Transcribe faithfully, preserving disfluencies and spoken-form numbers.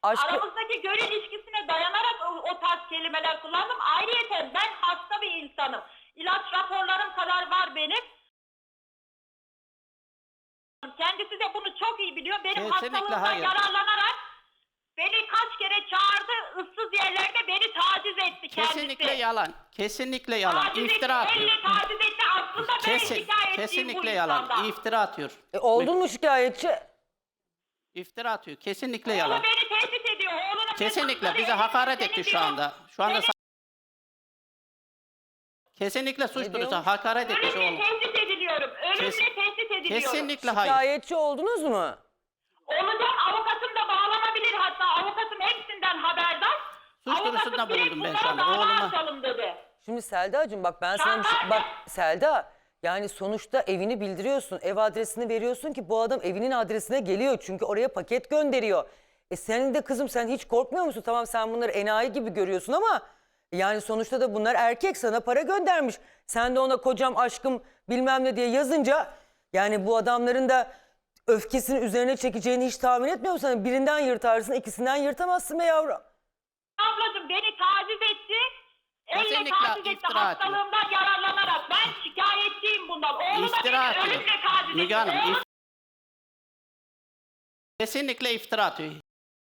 Aşkı... Aramızdaki gönül ilişkisine dayanarak o, o tarz kelimeler kullandım. Ayrıyeten ben hasta bir insanım. İlaç raporlarım kadar var benim. Kendisi de bunu çok iyi biliyor. Benim Kesinlikle hastalığımdan hayır. yararlanarak beni kaç kere çağırdı, ıssız yerlerde beni taciz etti kendisi. Kesinlikle yalan. Kesinlikle yalan. Taciz İftira etti, atıyor. elle taciz etti. Aslında ben Kesin, şikayetçiyim bu kesinlikle insandan. yalan. İftira atıyor. E, oldun mu şikayetçi? İftira atıyor. Kesinlikle Oğlu yalan. beni tehdit ediyor. Oğlunun Kesinlikle hesapları bize elimde hakaret etti senin şu diyor. anda. Şu anda Beni sa- kesinlikle suç Ne duyurusu diyormuş? hakaret etmiş Ölümle oğlum. tehdit ediliyorum. Ölümle Kes- tehdit ediliyorum. Kesinlikle hayır. Şikayetçi oldunuz mu? Olacak, avukatım da bağlanabilir, hatta avukatım hepsinden haberdar. Suç Avukatım duyurusunda direkt bulundum ben bunlara şu anda. dava Oğluma- açalım dedi. Şimdi Selda'cığım bak ben sana bir şey... Şantaj Bak mı? Selda, yani sonuçta evini bildiriyorsun. Ev adresini veriyorsun ki bu adam evinin adresine geliyor. Çünkü oraya paket gönderiyor. E senin de kızım, sen hiç korkmuyor musun? Tamam, sen bunları enayi gibi görüyorsun ama... Yani sonuçta da bunlar erkek, sana para göndermiş. Sen de ona kocam, aşkım bilmem ne diye yazınca... Yani bu adamların da öfkesini üzerine çekeceğini hiç tahmin etmiyor musun? Hani birinden yırtarsın, ikisinden yırtamazsın be yavrum. Ablacığım beni taciz etti. Elle Kesinlikle taciz etti iftira atıyor. hastalığımdan yararlanarak. Ben şikayetçiyim bundan. Oğlu da İftira beni atıyor. ölümle taciz etti. Müge Hanım, Oğlum if- kesinlikle iftira atıyor.